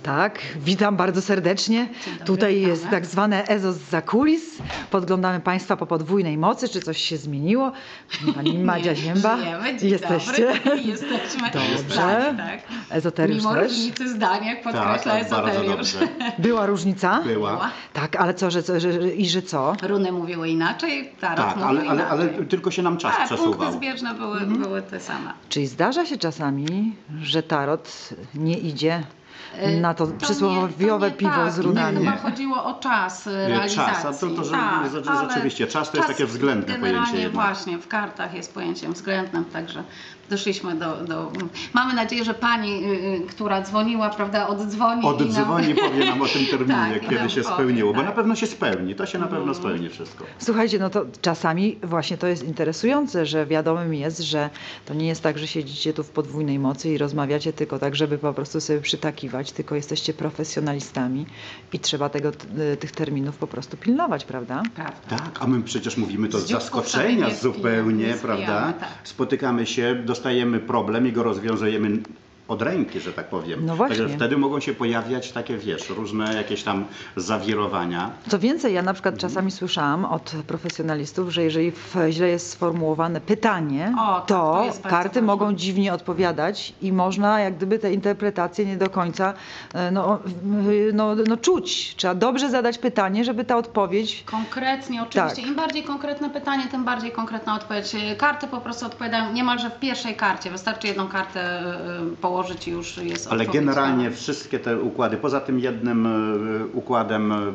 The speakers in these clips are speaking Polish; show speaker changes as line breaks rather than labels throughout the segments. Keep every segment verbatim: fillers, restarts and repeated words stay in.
Tak, witam bardzo serdecznie.
dobry,
Tutaj
witamy.
jest tak zwane Ezo zza kulis. Podglądamy Państwa po podwójnej mocy, czy coś się zmieniło. Pani Madzia Zięba.
Żyjemy, dzień
Jesteście?
dobry. Jesteśmy.
Dobrze.
Tak, tak.
Ezoteriusz
Mimo
też.
różnicy zdań, jak
Tak,
podkreśla
tak, bardzo
ezoteriusz.
dobrze.
Była różnica?
Była.
Tak, ale co, że, co, że, że i że co?
Runy mówiły inaczej, tarot
Tak,
mówił
ale, ale,
inaczej.
ale tylko się nam czas
tak,
przesuwał.
punkty zbieżne były,
Mhm.
były te same.
Czyli zdarza się czasami, że tarot nie idzie
Y,
na to,
to
przysłowiowe
nie, to nie
piwo
tak.
z runami?
Chyba
Nie.
chodziło o czas y,
Nie,
realizacji.
czas, a to- to, że-
tak,
że- że
ale
rzeczywiście, czas to jest takie względne
generalnie
pojęcie jednak.
właśnie, w kartach jest pojęciem względnym, także doszliśmy do... do... Mamy nadzieję, że pani, y, y, która dzwoniła, prawda, oddzwoni i
Oddzwoni,
nam...
powie nam o tym terminie,
Tak, i
kiedy
nam
się
powie,
spełniło, bo
tak.
na pewno się spełni, to się na
Mhm.
pewno spełni wszystko.
Słuchajcie, no to czasami właśnie to jest interesujące, że wiadomym jest, że to nie jest tak, że siedzicie tu w podwójnej mocy i rozmawiacie tylko tak, żeby po prostu sobie przytakiwać, tylko jesteście profesjonalistami i trzeba tego, t- tych terminów po prostu pilnować, prawda?
Prawda.
Tak, a my przecież mówimy to z
Z dzióbków
zaskoczenia
sobie nie
zupełnie,
wpijamy, nie
prawda?
wpijamy, tak.
Spotykamy się, dostajemy problem i go rozwiązujemy od ręki, że tak powiem.
No właśnie.
Także wtedy mogą się pojawiać takie, wiesz, różne jakieś tam zawirowania.
Co więcej, ja na przykład czasami słyszałam od profesjonalistów, że jeżeli w, źle jest sformułowane pytanie,
O, tak,
to,
to jest bardzo
karty
ważne.
mogą dziwnie odpowiadać i można jak gdyby te interpretacje nie do końca e, no, w- no, no, czuć. Trzeba dobrze zadać pytanie, żeby ta odpowiedź...
Konkretnie, oczywiście.
Tak.
Im bardziej konkretne pytanie, tym bardziej konkretna odpowiedź. Karty po prostu odpowiadają niemalże w pierwszej karcie. Wystarczy jedną kartę y, położyć i już jest
Ale
odpowiedź
generalnie
znana.
wszystkie te układy, poza tym jednym e, układem e,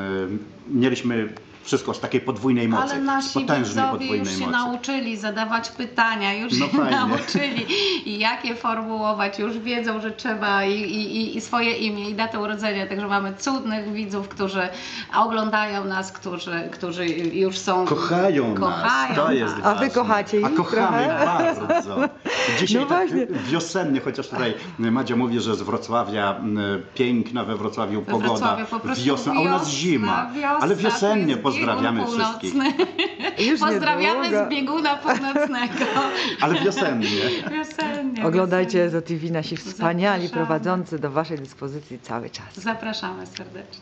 mieliśmy wszystko z takiej podwójnej mocy,
Ale
z
nasi
potężnej
widzowie
podwójnej
już się
mocy.
nauczyli zadawać pytania, już
No
się
fajnie.
nauczyli i jak je formułować, już wiedzą, że trzeba i, i, i swoje imię i datę urodzenia, także mamy cudnych widzów, którzy oglądają nas, którzy, którzy już są...
Kochają,
kochają
nas, to jest
nas.
A wy
ważne.
kochacie ich
A kochamy
trochę?
bardzo. Dzisiaj
No
tak
właśnie.
wiosennie, chociaż tutaj Madzia mówi, że z Wrocławia m, piękna we Wrocławiu
We
pogoda,
Wrocławiu po prostu
wiosna, a u nas
wiosna,
zima.
wiosna,
Ale
to
wiosennie
jest
pozdrawiamy
biegun
wszystkich.
północny.
Już
Pozdrawiamy
niedługo.
z bieguna północnego.
Ale wiosennie.
Wiosennie.
Oglądajcie
wiosennie.
Ezo T V, nasi wspaniali
Zapraszamy.
prowadzący do waszej dyspozycji cały czas.
Zapraszamy serdecznie.